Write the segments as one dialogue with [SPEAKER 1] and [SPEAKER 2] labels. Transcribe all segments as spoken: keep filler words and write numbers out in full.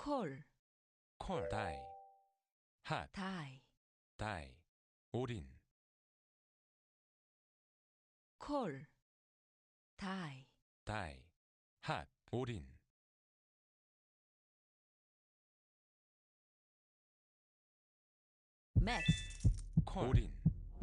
[SPEAKER 1] 콜,
[SPEAKER 2] 콜, 다이, 핫,
[SPEAKER 1] 다이,
[SPEAKER 2] 다이, 올인,
[SPEAKER 1] 콜, 다이,
[SPEAKER 2] 다이, 핫, 올인,
[SPEAKER 1] 맥,
[SPEAKER 2] 콜, 올인,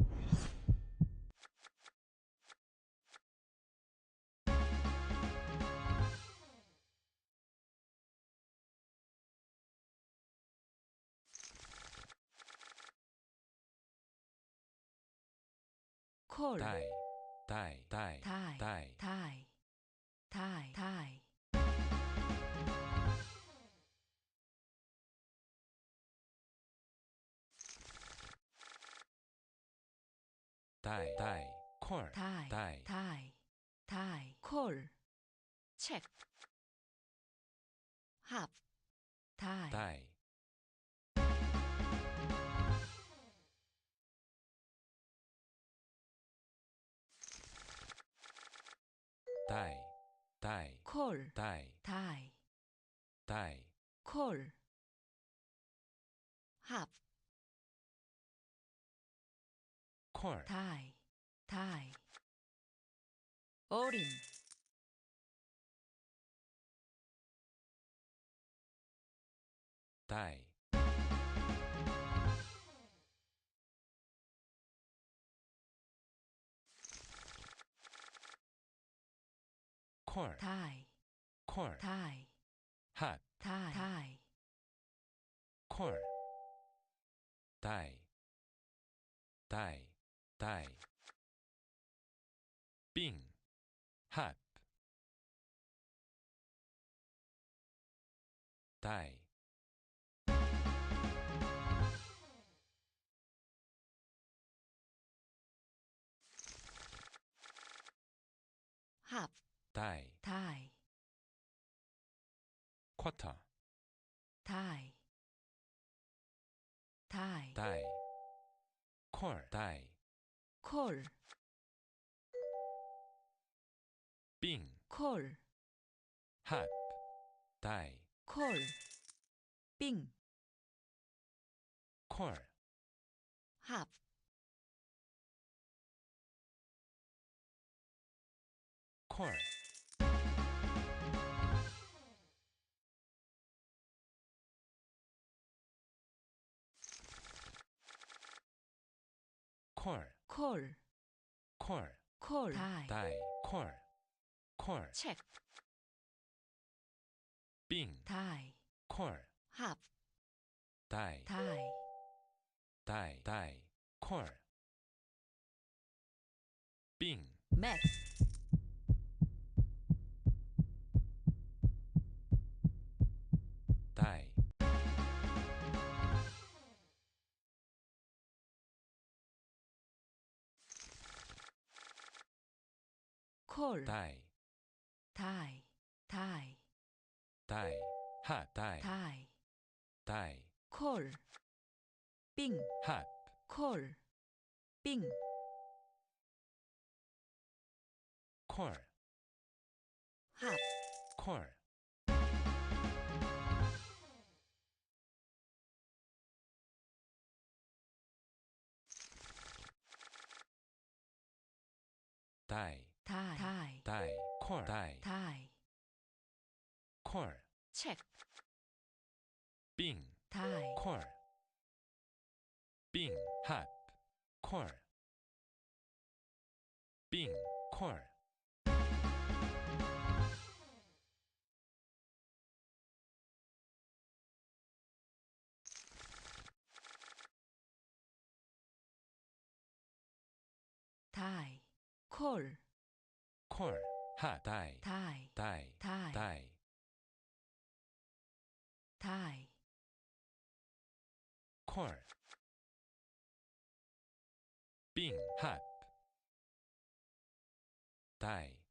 [SPEAKER 1] 콜,
[SPEAKER 2] 다이, 다이, 다이,
[SPEAKER 1] 다이,
[SPEAKER 2] 다이,
[SPEAKER 1] 다이, 다이, 다이,
[SPEAKER 2] 다이, 다이, 콜,
[SPEAKER 1] 다이,
[SPEAKER 2] 다이,
[SPEAKER 1] 다이, 다이, 콜, 체크, 합, 다이,
[SPEAKER 2] 다이, 다이, 다이,
[SPEAKER 1] 콜,
[SPEAKER 2] 다이,
[SPEAKER 1] 다이,
[SPEAKER 2] 다이,
[SPEAKER 1] 콜, 합,
[SPEAKER 2] 콜,
[SPEAKER 1] 다이, 다이, 어린,
[SPEAKER 2] 다이, 콜,
[SPEAKER 1] 다이,
[SPEAKER 2] 콜,
[SPEAKER 1] 다이,
[SPEAKER 2] 핫,
[SPEAKER 1] 다이, 다이,
[SPEAKER 2] 콜, 다이, 다이, 다이, 빙, 핫, 다이,
[SPEAKER 1] 합,
[SPEAKER 2] 다이,
[SPEAKER 1] 다이,
[SPEAKER 2] 쿼터,
[SPEAKER 1] 다이, 다이,
[SPEAKER 2] 다이, 콜, 다이,
[SPEAKER 1] 콜,
[SPEAKER 2] 빙,
[SPEAKER 1] 콜,
[SPEAKER 2] 핫, 다이,
[SPEAKER 1] 콜, 빙,
[SPEAKER 2] 콜,
[SPEAKER 1] 합,
[SPEAKER 2] 콜, 콜,
[SPEAKER 1] 콜,
[SPEAKER 2] 콜,
[SPEAKER 1] 콜, 다이,
[SPEAKER 2] 다이, 콜, 콜,
[SPEAKER 1] 체크,
[SPEAKER 2] 빙,
[SPEAKER 1] 다이,
[SPEAKER 2] 콜,
[SPEAKER 1] 합,
[SPEAKER 2] 다이,
[SPEAKER 1] 다이,
[SPEAKER 2] 다이, 다이, 콜, 빙,
[SPEAKER 1] 맥,
[SPEAKER 2] 다이,
[SPEAKER 1] 콜,
[SPEAKER 2] 다이,
[SPEAKER 1] 다이, 다이,
[SPEAKER 2] 다이, 핫, 다이,
[SPEAKER 1] 다이,
[SPEAKER 2] 다이,
[SPEAKER 1] 콜, 빙,
[SPEAKER 2] 핫,
[SPEAKER 1] 콜, 빙,
[SPEAKER 2] 콜,
[SPEAKER 1] 합,
[SPEAKER 2] 콜, 다이,
[SPEAKER 1] 다이, 다이,
[SPEAKER 2] 다이, 콜, 다이,
[SPEAKER 1] 다이,
[SPEAKER 2] 콜,
[SPEAKER 1] 체크,
[SPEAKER 2] 빙,
[SPEAKER 1] 다이,
[SPEAKER 2] 콜, 빙, 핫, 콜, 빙, 콜,
[SPEAKER 1] 다이, 콜,
[SPEAKER 2] 콜, 핫, 다이,
[SPEAKER 1] 다이,
[SPEAKER 2] 다이,
[SPEAKER 1] 다이,
[SPEAKER 2] 다이,
[SPEAKER 1] 다이,
[SPEAKER 2] 콜, 빙, 핫, 다이,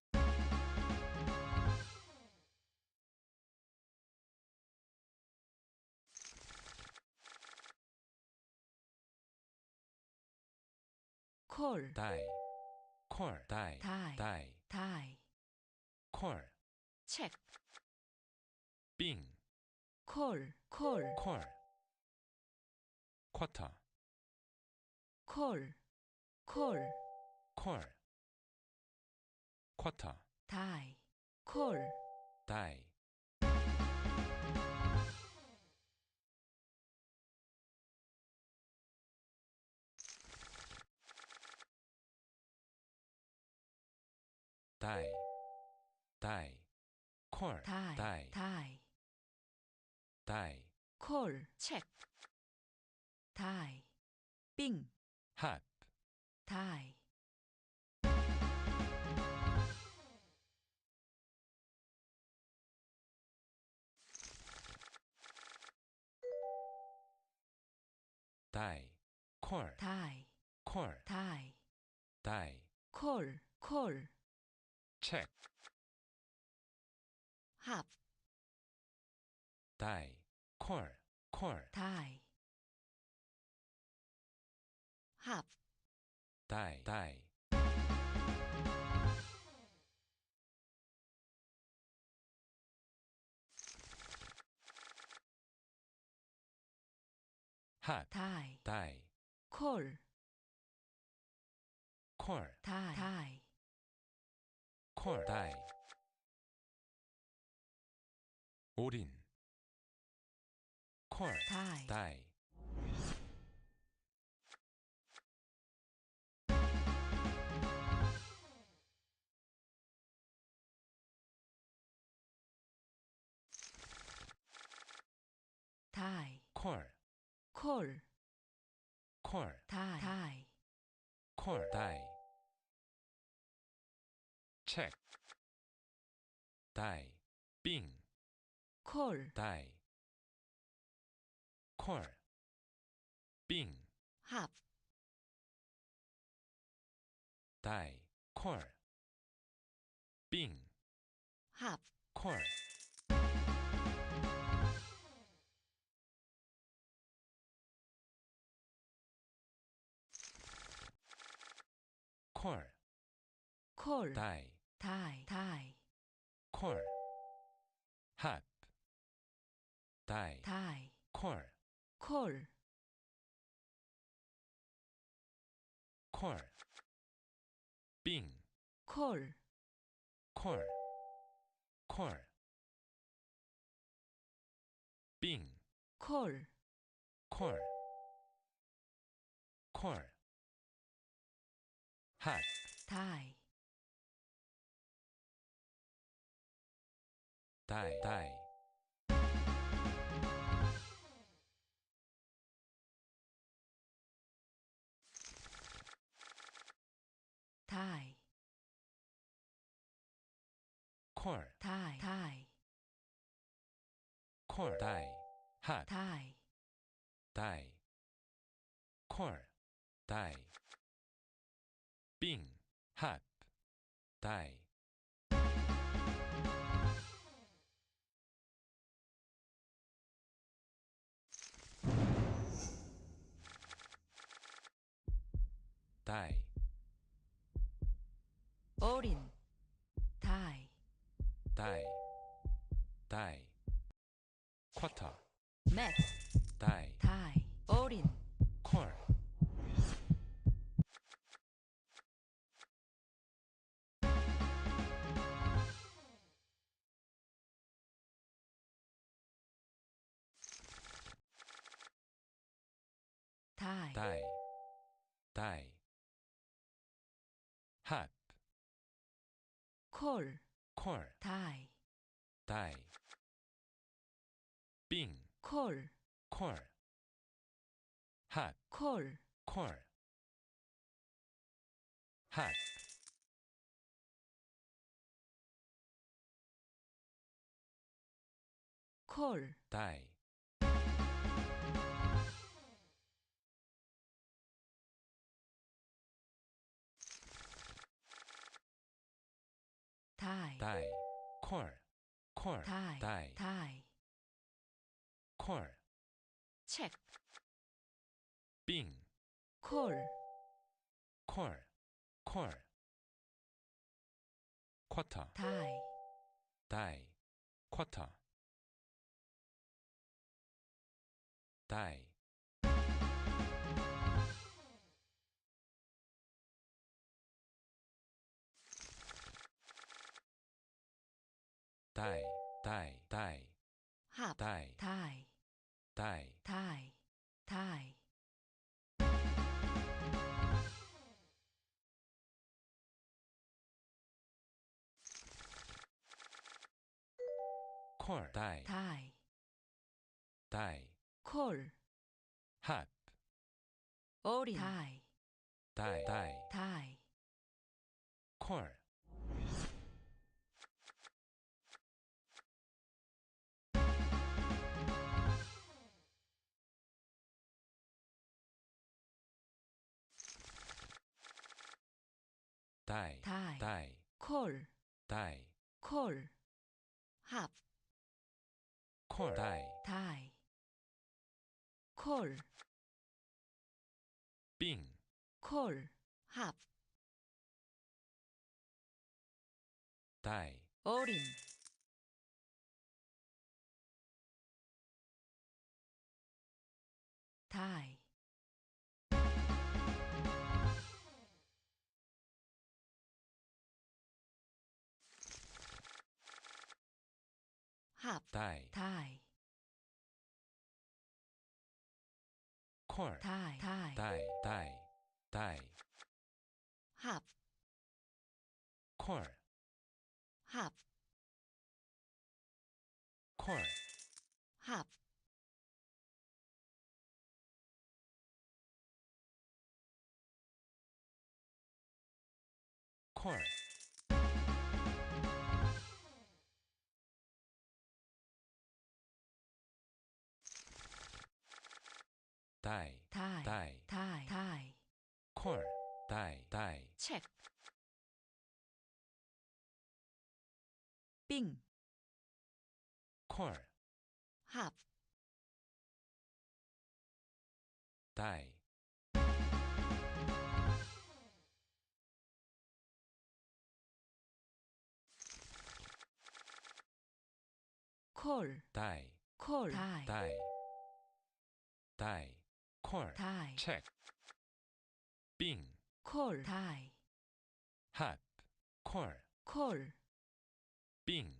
[SPEAKER 1] 콜,
[SPEAKER 2] 다이, 콜, 다이,
[SPEAKER 1] 다이,
[SPEAKER 2] 다이,
[SPEAKER 1] 다이,
[SPEAKER 2] 콜,
[SPEAKER 1] 체크,
[SPEAKER 2] 빙,
[SPEAKER 1] 콜, 콜,
[SPEAKER 2] 콜, 쿼터,
[SPEAKER 1] 콜, 콜,
[SPEAKER 2] 콜, 쿼터,
[SPEAKER 1] 다이, 콜,
[SPEAKER 2] 다이, 다이, 다이, 콜,
[SPEAKER 1] 다이,
[SPEAKER 2] 다이,
[SPEAKER 1] 다이,
[SPEAKER 2] 다이,
[SPEAKER 1] 콜, 체크, 다이, 빙,
[SPEAKER 2] 핫,
[SPEAKER 1] 다이,
[SPEAKER 2] 다이, 콜,
[SPEAKER 1] 다이,
[SPEAKER 2] 콜,
[SPEAKER 1] 다이,
[SPEAKER 2] 다이,
[SPEAKER 1] 콜, 콜,
[SPEAKER 2] 체크,
[SPEAKER 1] 합,
[SPEAKER 2] 다이, 콜, 콜,
[SPEAKER 1] 다이, 합,
[SPEAKER 2] 다이, 다이, 핫,
[SPEAKER 1] 다이,
[SPEAKER 2] 다이,
[SPEAKER 1] 콜,
[SPEAKER 2] 콜,
[SPEAKER 1] 다이, 다이,
[SPEAKER 2] 콜, 다이, 올인, 콜,
[SPEAKER 1] 다이,
[SPEAKER 2] 다이,
[SPEAKER 1] 다이,
[SPEAKER 2] 콜,
[SPEAKER 1] 콜,
[SPEAKER 2] 콜,
[SPEAKER 1] 다이, 다이,
[SPEAKER 2] 콜, 다이, 체크, 다이, 빙,
[SPEAKER 1] 콜,
[SPEAKER 2] 다이, 콜, 빙,
[SPEAKER 1] 합,
[SPEAKER 2] 다이, 콜, 빙,
[SPEAKER 1] 합,
[SPEAKER 2] 콜, 콜,
[SPEAKER 1] 콜,
[SPEAKER 2] 다이,
[SPEAKER 1] 다이, 다이,
[SPEAKER 2] 콜, 핫, 다이,
[SPEAKER 1] 다이,
[SPEAKER 2] 콜,
[SPEAKER 1] 콜,
[SPEAKER 2] 콜, 빙,
[SPEAKER 1] 콜,
[SPEAKER 2] 콜, 콜, 빙,
[SPEAKER 1] 콜,
[SPEAKER 2] 콜, 콜, 핫,
[SPEAKER 1] 다이,
[SPEAKER 2] 다이, 다이,
[SPEAKER 1] 다이,
[SPEAKER 2] 콜,
[SPEAKER 1] 다이, 다이,
[SPEAKER 2] 콜, 다이, 핫,
[SPEAKER 1] 다이,
[SPEAKER 2] 다이, 콜, 다이, 빙, 핫, 다이, 다이,
[SPEAKER 1] 올인, 다이,
[SPEAKER 2] 다이, 다이, 쿼터,
[SPEAKER 1] 맥,
[SPEAKER 2] 다이,
[SPEAKER 1] 다이, 올인,
[SPEAKER 2] 콜,
[SPEAKER 1] 다이,
[SPEAKER 2] 다이, 다이, 핫,
[SPEAKER 1] 콜,
[SPEAKER 2] 콜,
[SPEAKER 1] 다이,
[SPEAKER 2] 다이, 빙,
[SPEAKER 1] 콜,
[SPEAKER 2] 콜, 핫,
[SPEAKER 1] 콜,
[SPEAKER 2] 콜, 핫,
[SPEAKER 1] 콜,
[SPEAKER 2] 다이,
[SPEAKER 1] 다이,
[SPEAKER 2] 다이, 콜, 콜,
[SPEAKER 1] 다이,
[SPEAKER 2] 다이,
[SPEAKER 1] 다이,
[SPEAKER 2] 콜,
[SPEAKER 1] 체크,
[SPEAKER 2] 빙,
[SPEAKER 1] 콜,
[SPEAKER 2] 콜, 콜, 쿼터,
[SPEAKER 1] 다이,
[SPEAKER 2] 다이, 쿼터, die, die, die, die,
[SPEAKER 1] 합,
[SPEAKER 2] die,
[SPEAKER 1] 다이,
[SPEAKER 2] die,
[SPEAKER 1] 다이, 다이,
[SPEAKER 2] 콜, die,
[SPEAKER 1] 다이,
[SPEAKER 2] die,
[SPEAKER 1] 콜,
[SPEAKER 2] hop,
[SPEAKER 1] 어린, 다이,
[SPEAKER 2] die, die,
[SPEAKER 1] 다이,
[SPEAKER 2] 콜, die,
[SPEAKER 1] 다이,
[SPEAKER 2] die,
[SPEAKER 1] 콜,
[SPEAKER 2] die,
[SPEAKER 1] 콜, 합,
[SPEAKER 2] 콜, die,
[SPEAKER 1] 다이, 콜,
[SPEAKER 2] 빙,
[SPEAKER 1] 콜, 합,
[SPEAKER 2] die,
[SPEAKER 1] 어린, 다이, 합,
[SPEAKER 2] die,
[SPEAKER 1] 다이,
[SPEAKER 2] 콜,
[SPEAKER 1] 다이, 다이,
[SPEAKER 2] die, die, die,
[SPEAKER 1] 합,
[SPEAKER 2] 콜,
[SPEAKER 1] 합,
[SPEAKER 2] 콜,
[SPEAKER 1] 합,
[SPEAKER 2] 콜, die,
[SPEAKER 1] 다이,
[SPEAKER 2] die,
[SPEAKER 1] 다이, 다이,
[SPEAKER 2] 콜, die, die,
[SPEAKER 1] 책, 빙,
[SPEAKER 2] 콜,
[SPEAKER 1] 합,
[SPEAKER 2] die,
[SPEAKER 1] 콜,
[SPEAKER 2] die,
[SPEAKER 1] 콜, 다이,
[SPEAKER 2] die, die, 콜,
[SPEAKER 1] 다이,
[SPEAKER 2] check, 빙,
[SPEAKER 1] 콜, 다이,
[SPEAKER 2] hop, 콜,
[SPEAKER 1] 콜,
[SPEAKER 2] 빙,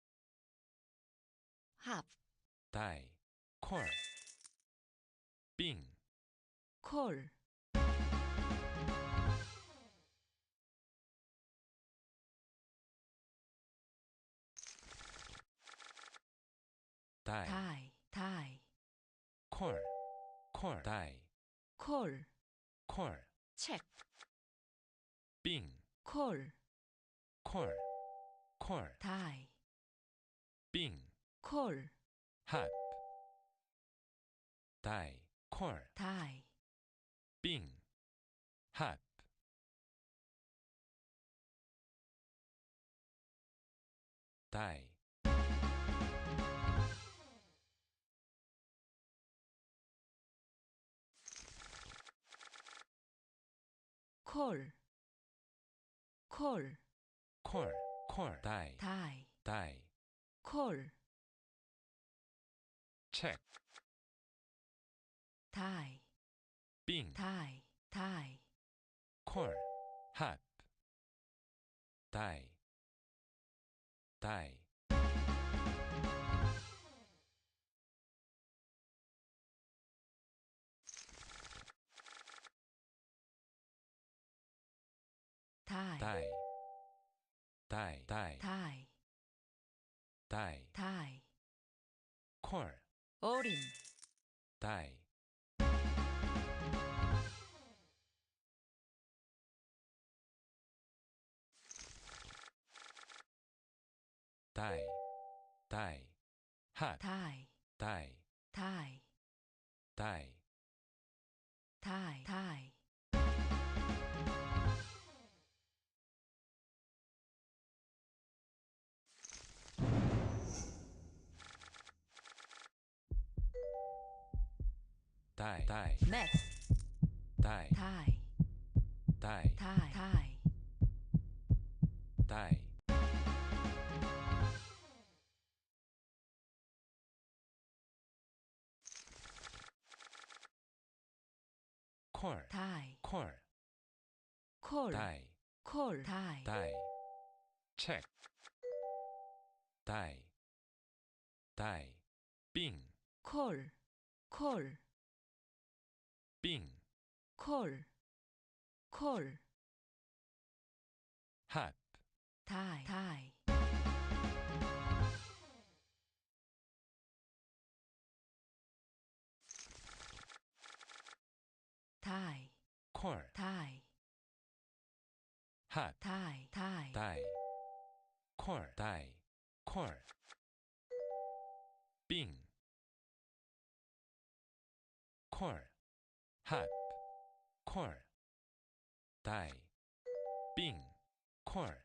[SPEAKER 1] 합,
[SPEAKER 2] die, 콜, 빙,
[SPEAKER 1] 콜,
[SPEAKER 2] die,
[SPEAKER 1] 다이, 다이,
[SPEAKER 2] 콜, 콜, die,
[SPEAKER 1] 콜,
[SPEAKER 2] 콜,
[SPEAKER 1] 책,
[SPEAKER 2] 빙,
[SPEAKER 1] 콜,
[SPEAKER 2] 콜, 콜,
[SPEAKER 1] 다이,
[SPEAKER 2] 빙,
[SPEAKER 1] 콜,
[SPEAKER 2] hop, die, 콜,
[SPEAKER 1] 다이,
[SPEAKER 2] 빙, hop, die,
[SPEAKER 1] 콜, 콜,
[SPEAKER 2] 콜, 콜, die,
[SPEAKER 1] 다이,
[SPEAKER 2] die,
[SPEAKER 1] 콜,
[SPEAKER 2] check,
[SPEAKER 1] 다이,
[SPEAKER 2] 빙,
[SPEAKER 1] 다이, 다이,
[SPEAKER 2] 콜, hop, die, die,
[SPEAKER 1] 다이,
[SPEAKER 2] die, die, die,
[SPEAKER 1] 다이,
[SPEAKER 2] die,
[SPEAKER 1] 다이,
[SPEAKER 2] 콜,
[SPEAKER 1] 어린,
[SPEAKER 2] die, die, die, hop,
[SPEAKER 1] 다이,
[SPEAKER 2] die,
[SPEAKER 1] 다이,
[SPEAKER 2] die,
[SPEAKER 1] 다이, 다이,
[SPEAKER 2] die, die,
[SPEAKER 1] 맷,
[SPEAKER 2] die,
[SPEAKER 1] 다이,
[SPEAKER 2] die,
[SPEAKER 1] 다이, 다이,
[SPEAKER 2] die, 콜,
[SPEAKER 1] die,
[SPEAKER 2] 콜,
[SPEAKER 1] 콜,
[SPEAKER 2] 다이,
[SPEAKER 1] 콜, die,
[SPEAKER 2] 다이, 체크, 다이, 다이, 빙,
[SPEAKER 1] 콜, 콜,
[SPEAKER 2] 빙,
[SPEAKER 1] 콜, 콜,
[SPEAKER 2] 핫,
[SPEAKER 1] die, die, die,
[SPEAKER 2] 콜,
[SPEAKER 1] die,
[SPEAKER 2] 핫,
[SPEAKER 1] die, die,
[SPEAKER 2] 다이, 콜, 다이, 콜, 빙, 콜, 핫, 콜, 다이, 빙, 콜,